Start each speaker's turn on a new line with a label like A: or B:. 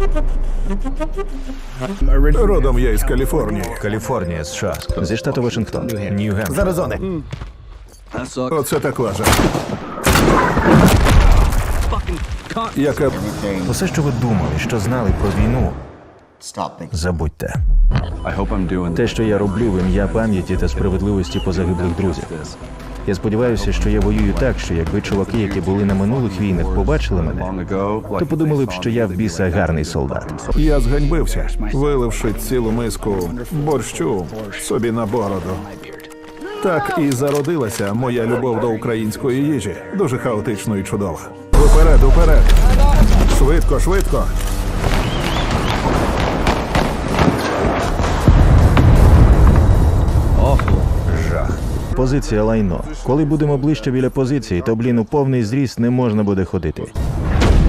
A: Родом я із Каліфорнії.
B: Каліфорнія, США. Зі штату Вашингтон. Нью-Гемп.
A: З Аризони. Оце так лажа. Яка...
B: Усе, що ви думали, що знали про війну, забудьте. Те, що я роблю в ім'я пам'яті та справедливості позагиблих друзів. Я сподіваюся, що я воюю так, що якби чуваки, які були на минулих війнах, побачили мене, то подумали б, що я в біса гарний солдат.
A: Я зганьбився, виливши цілу миску борщу собі на бороду. Так і зародилася моя любов до української їжі. Дуже хаотично і чудово. Уперед, уперед! Швидко, швидко!
B: Жах. Позиція лайно. Коли будемо ближче біля позиції, то, блін, у повний зріст не можна буде ходити.